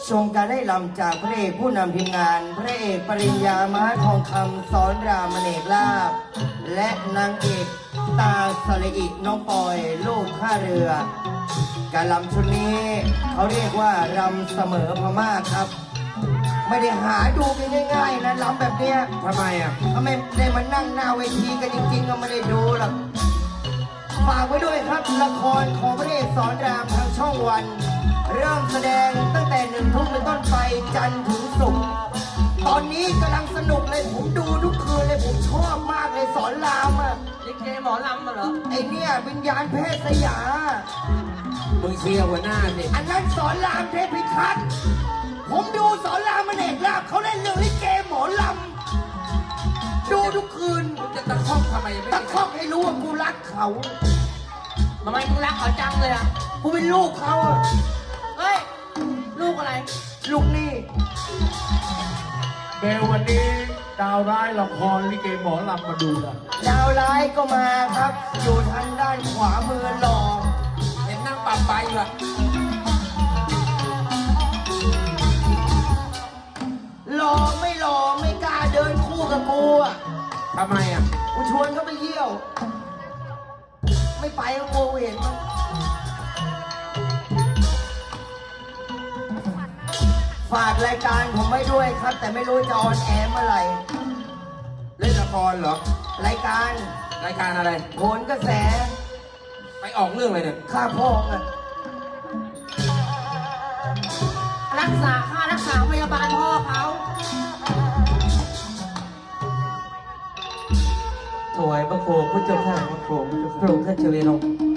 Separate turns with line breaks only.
ชมการได้ลำจากพระเอกผู้นำทีมงานพระเอกปริญญาม้าทองคำสอนรามเนกลาภและนางเอกตาสลิอิน้องปอยลูกข้าเรือ การลำชุดนี้เขาเรียกว่ารำเสมอพม่าครับ ไม่ได้หาดูกันง่ายๆนะลำแบบเนี้ย
ทำไมอ่ะ
ถ้าไม่ได้มานั่งหน้าเวทีกันจริงๆก็ไม่ได้ดูหรอกฝากไว้ด้วยครับละครของพระเอกสอนรามทางช่องวัน เริ่มแสดงตั้งแต่1 ทุ่มเป็นต้นไปจันทร์ถึงศุกร์ตอนนี้กำลังสนุกเลยผมดูทุกคืนเลยผมชอบมากเลยสอนรามอ่ะ
ลิเกหมอลำมาเหรอ
ไอเนี่ยวิญญาณเพศสยา
มึงเชียร์หัวหน้าสิ
อันนั้นสอนรามเทพิทักษ์ผมดูสอนรามเนกลาภเขาเล่นเรื่องลิเกหมอลำดูทุกคืน
มึงจะตะคอกทำไมไม่
ตะคอกให้รู้ว่ากูรักเขา
ทำไมมึงรักเขาจังเลยอ่ะ
กูเป็นลูกเขาอะ
เฮ้ย ลูกอะไร
ลูกนี่
เบลวันนี้ดาวร้ายละครลิเกหมอลำมาดูนะ
ดาวร้ายก็มาครับ อยู่ทางด้านขวามือหล่อ
เห็นนั่งปรับไปอยู่อะ
หล่อไม่หล่อไม่กล้าเดินคู่กับกูอ่ะ
ทำไมอ่ะ
กูชวนเขาไปเยี่ยว ไม่ไปก็กลัวเห็นมันฝากรายการผมไว้ด้วยครับ แต่ไม่รู้จะออนแอร์เมื่อไหร่
เล่นละครเหรอ
รายการ
รายการอะไร
โหนกระแส
ไปออกเรื่องอะไรเนี่ย
ข้าพองอ่ะ
รักษาค่ารักษาพยาบาลพ่อเขา
ถวายพระโคมพระเจ้าข้าพระโคมพระองค์ท่านเจริญลง